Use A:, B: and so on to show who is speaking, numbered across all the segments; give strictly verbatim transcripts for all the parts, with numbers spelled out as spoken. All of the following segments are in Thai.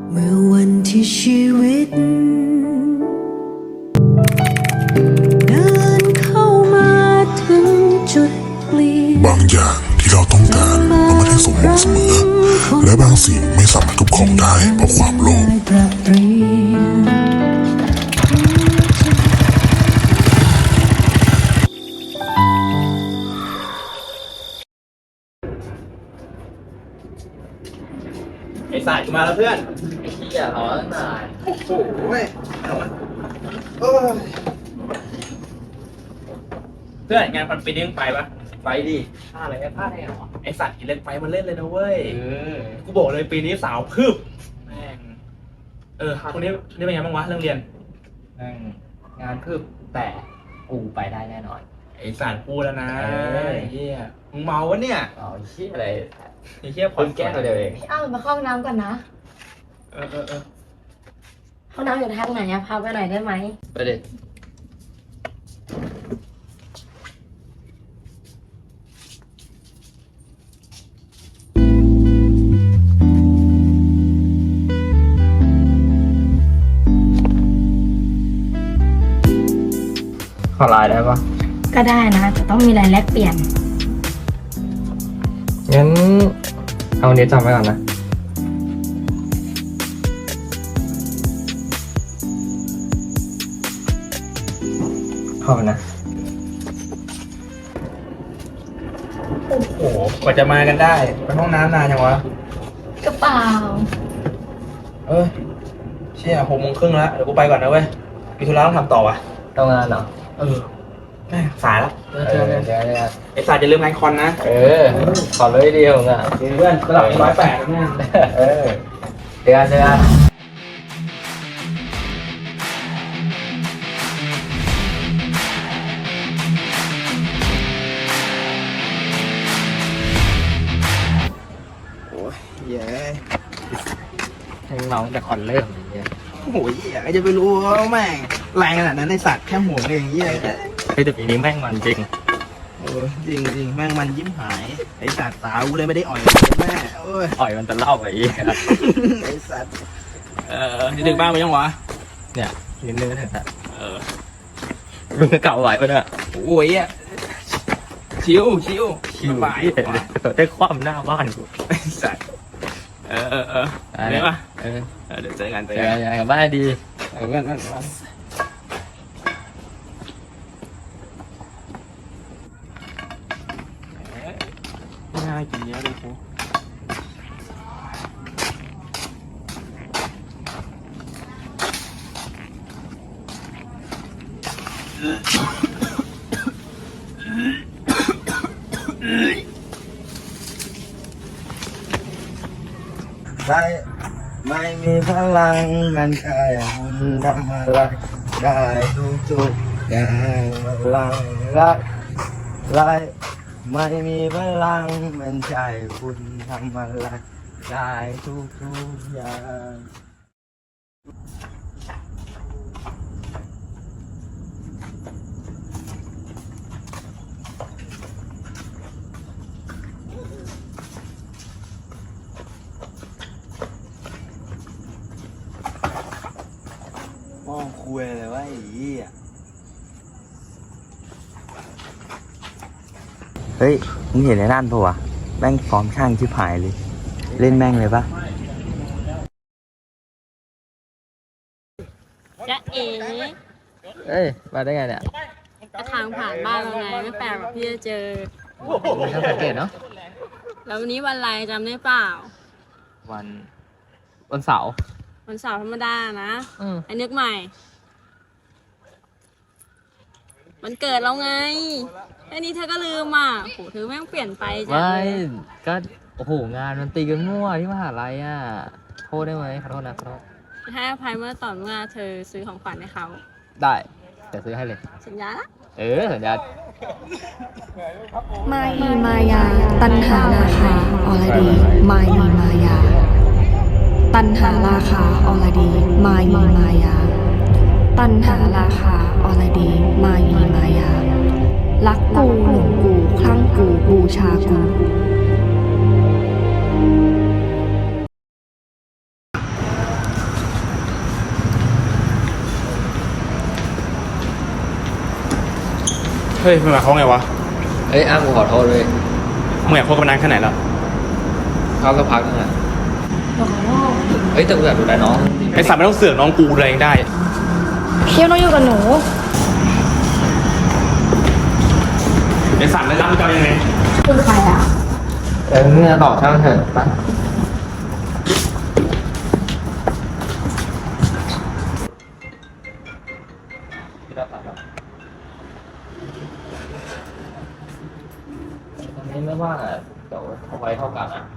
A: เมื่อวันที่ชีวิตเดินเข้ามาถึงจุดเปลี่ยน
B: บางอย่างที่เราต้องการมันไม่ได้สมหวังเสมอและบางสิ่งไม่สามารถทุบของได้เพราะความโลภ
C: ไอ้สายมาแล้วเพื่อน
D: อย่าร้อนหน่อย
C: โอ้โหเว้ยเอามาเออเพื่อนงานพันปีนี้มึงไปปะ
D: ไปดิพลาดอะไรไม่พลาดได้หรอ
C: ไอสัตว์กินเล่นไฟมันเล่นเลยนะเว้ย
D: เออ
C: กูบอกเลยปีนี้สาวพึบแม่งเออคนนี้นี่เป็นไงบ้างวะเรื่องเรียน
D: นั่งงานคืบแต่กูไปได้แน่นอน
C: ไอสัตว์พูดแล้วนะ
D: เออ
C: ไอ้เหี้ยมึงเมาวะเนี่ย
D: อ๋อชี้อะไร
C: ไอ้เหี้ย
D: คนแก้ตัวเดียวเอง
E: อ้าวมาเข้าห้องน้ำก่อนนะ
C: เออเออเออ
E: ห้องน้ำอยู่ทางไหนอะพาไปหน่อยได้ไหม
D: ไปดิขอไลน์ได้ปะ
E: ก็ได้นะแต่ต้องมีรายแลกเปลี่ยน
D: งั้นเอาอันนี้จำไว้ก่อนนะขอบคุณนะ
C: โอ้โหกว่าจะมากันได้ไปห้องน้ำนานยังวะ
E: กระเป๋า
C: เออเชี่ยหกโมงครึ่งแล้วเดี๋ยวกูไปก่อนนะเว้ยมีธุระต้องทำต่อวะ
D: ทำงานเหรอ
C: เออแม่งสายแล้วเจอ
D: เอ
C: เจอ
D: อ
C: เจอ
D: เดี๋ยวเดี๋ยว
C: ไอสายจะลืมงานคอนนะ
D: เออ ขอเลยเดียวอ่ะ
C: เพื่อนระดับร้อยแปดแม่
D: เออเดี๋ยวเดี๋ยว
C: โอ้ยเย้
D: ให้น้องแต่ก่อนเริ่มอย่างเงี้ย
C: โอ้ยอยากจะไปรู้ว่าแม่งแรงขนาดนั้นในสัตว์แค่หัวเองเยี่ย
D: เฮ้ยแต่ปีนี้แม่งมันจริง
C: โอ้ยจริงจริงแม่งมันยิ้มหายไอสัตว์สาวกูเลยไม่ได้อ่อยแม่โอ้ย
D: อ่อยมันจะเล่าไปอีกอะ
C: ไอสัตว์เออนี่ถึงบ้านไปยังวะ
D: เนี่ยนิดนึงเถอะ
C: เออ
D: มึงจะเก่าไหวปะเนี่ย
C: โอ้ยอ่ะชิวชิว
D: คิว
C: สบาย
D: เห็นเลยได้ความหน้าบ้านกู
C: ไอสัตว์เออเออเออ
D: ได้
C: ได้ปะ
D: เออ
C: เออเดี๋ยวเจอกันเจอ
D: เจอ
C: กัน
D: กันกับบ้านดี
C: เออเพื่อนเพื่อนเพื่อนไม่น่ากินเยอะเลยกู
F: ไม่ไม่มีพลังมันแค่คุณทำอะไรได้ทุกทุกๆอย่างพลังรักไรไม่มีพลังมันใช่คุณทำอะไรได้ทุกทุกๆอย่างมองคุยเลยว่าไอ้ยี่อ่ะเฮ้ยมึงเห็นไอ้นั่นปะวะแม่งฟอร์มช่างชิบหายเลย เล่นแม่งเลยปะ
G: จ๊ะเอ๋
D: เอ้ยมาได้ไงเนี่ย
G: ก็ทางผ่านบ้านเราไงไม่แปลกหรอกที่จะเจอ
D: ไม่ต้องสังเกตเนาะ
G: แล้ววันนี้วันอะไรจำได้เปล่า
D: วันวันเสาร์
G: วันเสาร์ธรรมดานะ
D: อืม
G: ไอ้นึกใหม่ มันเกิดเราไงแค่นี้เธอก็ลืมอ่ะโหเธอแม่งเปลี่ยนไปจัง
D: ไม่
G: เลย
D: ก็โอ้โหงานมันตีกันมั่วที่มหาลัยอ่ะโทษได้ไหมขอโทษนะขอโทษ
G: ให้อภัยเมื่อตอนเมื่อเธอซื้อของขวัญให้เขา
D: ได้แต่ซื้อให้เลย
G: สัญญาละ
D: เออสัญญา
H: มายีมายา ตัณหาราคาอรดี มายีมายา ตัณหาราคาอรดี มายีมายา ตัณหาราคาอรดี มายีมายา รักกูหลงกูคลั่งกูบูชากู
F: เ
C: เฮ้ยมันหมายความไงวะ
D: เอ้ยอ้ามกูขอโทษเลย
C: มึงอยากคบกันนานแค่ไหนแล้ว
D: เขาก็พักนึงอะเอ้ยแต่กูอยากดูได้น้อง
C: ไอ้สัตว์ไม่ต้องเสือกน้องกูดูแลเองได้
E: เคียวน้องอยู่กับหนู
C: ไอ้สัตว์แล้วรักมึงจะเอายังไง
E: คือใครอ่ะ
D: เออเนี่ยต่อช่างเถอะไปตอนนี้ไม่ว่างอ่ะเดี๋ยวเอาไว้เท่ากันอ่ะ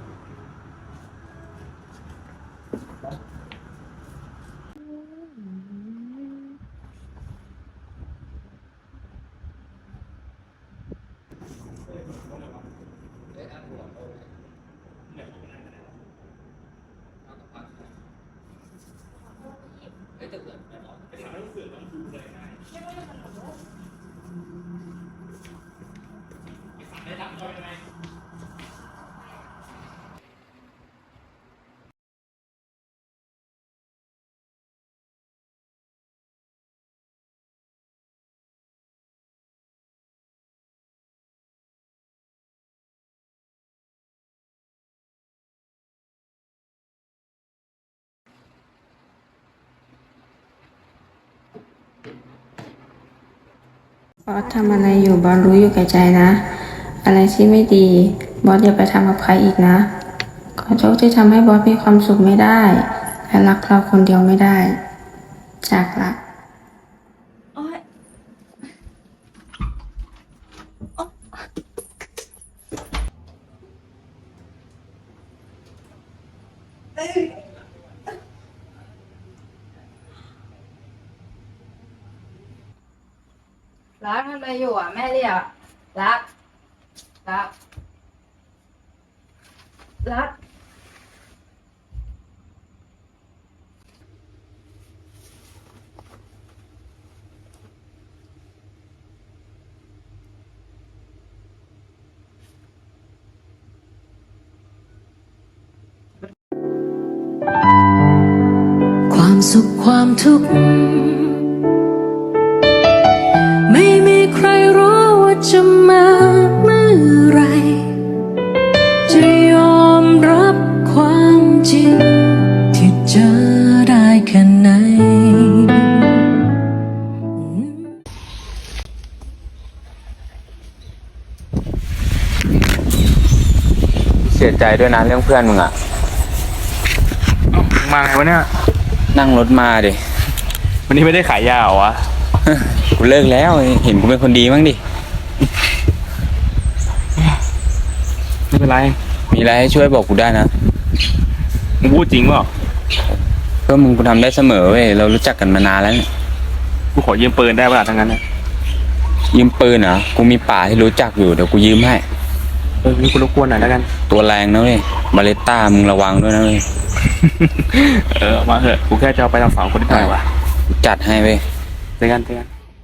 I: บอสทำอะไรอยู่บอสรู้อยู่แก่ใจนะ อะไรที่ไม่ดีบอสอย่าไปทำกับใครอีกนะ ขอโทษที่ทำให้บอสมีความสุขไม่ได้ และรักเราคนเดียวไม่ได้ จากละ
E: รักทำอะไรอยู่อ่ะ แม่เรียกรัก รัก รัก
A: ความสุขความทุกข์ไม่มีใครรู้ว่าจะมาเมื่อไรจะยอมรับความจริงที่เจอได้แค่ไหน
F: เสียใจด้วยนะเรื่องเพื่อนมึงอะ
C: มาไงวะเนี่ย
F: นั่งรถมาดิ
C: วันนี้ไม่ได้ขายยาเหรอวะ
F: กูเลิกแล้วเห็นกูเป็นคนดีมั้งดิ
C: ไม่เป็นไร
F: มีอะไรให้ช่วยบอกกูได้นะ
C: มึงพูดจริงเปล่า
F: เพื่อมึงกูทำได้เสมอเว้ยเรารู้จักกันมานานแล้วเนี่ย
C: กูขอยืมปืนได้ป่ะทั้งนั้นนะ
F: ยืมปืนเหรอกูมีป่าที่รู้จักอยู่เดี๋ยวกูยืมให้
C: เออนี่กูรบกวนหน่อยแล้วกัน
F: ตัวแรงนะเว้ยบาเลต้ามึงระวังด้วยนะเว้ย
C: เออมาเถอะกูแค่จะเอาไปทำสองคนที่ไหนวะ
F: กูจัดให้เว้ย
C: เจอกันเจอกัน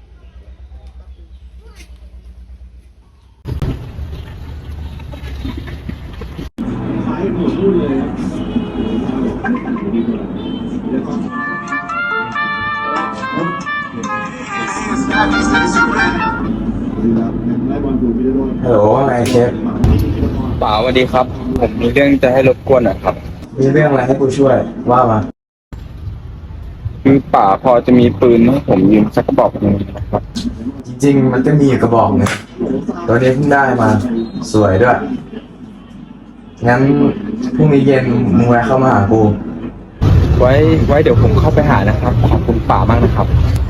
F: ฮัลโหลว่าไงเชฟป๋าสวัสดีครับ ผมมีเรื่องจะให้รบกวนหน่อยครับ
J: มีเรื่องอะไรให้กูช่วยว่ามา
F: คือป๋าพอจะมีปืนให้ผมยืมสักกระบอกหนึ่งนะครับ
J: จริงๆ มันก็มีอยู่กระบอกหนึงตัวนี้เพิ่งได้มา สวยด้วย งั้นพรุ่งนี้เย็นมึงแวะเข้ามาหากู
F: ไว้ไว้เดี๋ยวผมเข้าไปหานะครับ ขอบคุณป๋ามากนะครับ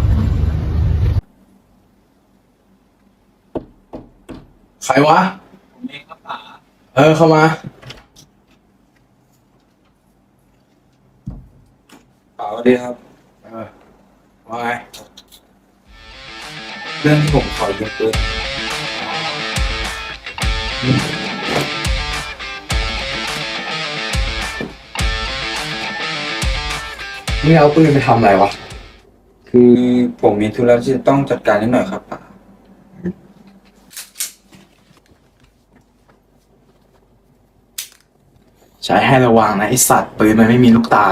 J: ใครวะเออเข้ามา
F: ป๋าสวัสดีครับ
J: เออว่าไง
F: เรื่องที่ผมขอยืมปืน
J: มึงเอาปืนไปทำอะไรวะ
F: คือผมมีธุระที่จะต้องจัดการนิดหน่อยครับป๋า
J: ใช้ให้ระวังนะไอสัตว์ปืนมันไม่มีลูกตา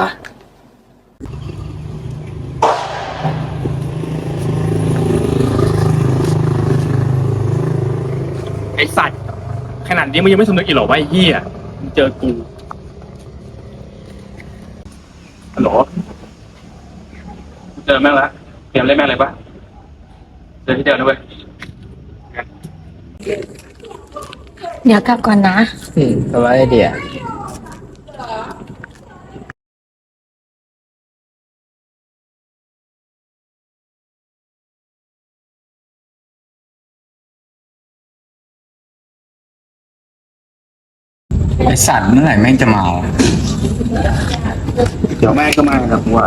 F: ผ
K: ขนาดนี้มึงยังไม่สำนึกอีกเหรอวะไอ้เหี้ยมึงเจอกูฮัลโหลกูเจอแม่งแล้วเตรียมเล่นแม่งเลยปะเจอที่เดียวนะเว้ย
G: เดี๋ยวกลับก่อนนะ
D: อืมสบายดีอ่ะ
J: ไอสัตว์เมื่อไหร่แม่งจะมา
C: เดี๋ยวแม่ก็มาครับว่า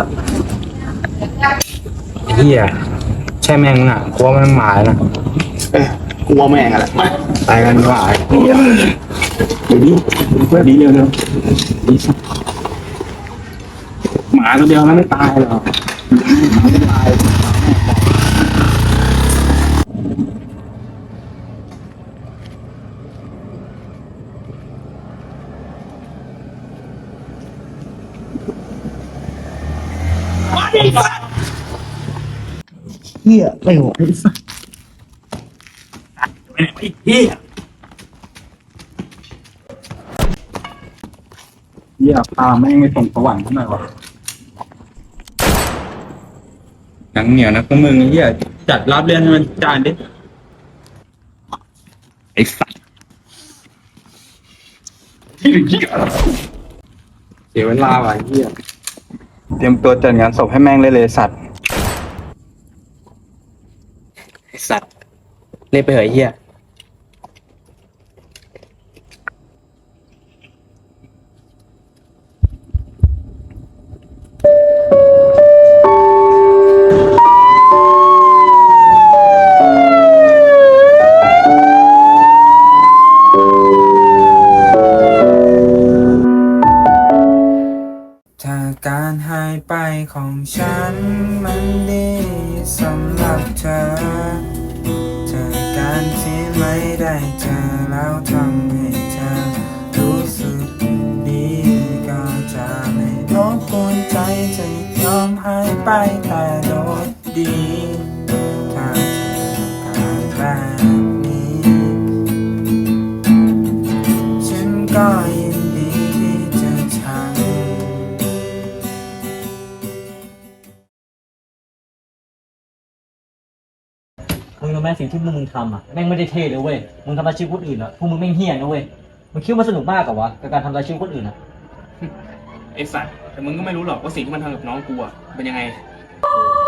C: ไอ้เหี้ยใช่แม่งอ่ะกลัวมันมานะเอ้ยกลัวแม่งอะไรไปกันดีกว่าเหี้ยเดี๋ยวนี้เพื่อนดีเร็วเร็วหมาตัวเดียวมันไม่ตายหรอกไม่ตายเฮียไม่หกไอ้สัสไปไหนไอ้เฮียเฮียพาแม่งไปส่งสวรรค์ทำไมวะหนังเหนียวนะพวกมึงเฮียจัดรับเรื่องให้มันจานดิไอ้สัสเสียเวลาว่ะเฮียเตรียมตัวจัดงานศพให้แม่งเลยเลยสัตว์ไอ้สัตว์เล่นไปเหยเฮีย
F: ถ้าการหายไปของฉันมันดีสำหรับเธอเธอการที่ไม่ได้เจอแล้วทำให้เธอรู้สึกดีก็จะไม่รบกวนใจจะยอมหายไปแต่โดยดีถ้าเธอการแบบนี้ฉันก็ยินดีที่จะทำ
L: มึงรู้ไหมสิ่งที่พวกมึงทำอ่ะแม่งไม่ได้เท่เลยเว้ยมึงทำร้ายชีวิตคนอื่นอ่ะพวกมึงแม่งเหี้ยนะเว้ยมึงคิดว่ามันสนุกมากกับวะกับการทำร้ายชีวิตคนอื่นอ่ะ
K: ไอ้สัตว์แต่มึงก็ไม่รู้หรอกว่าสิ่งที่มันทำกับน้องกูอ่ะเป็นยังไง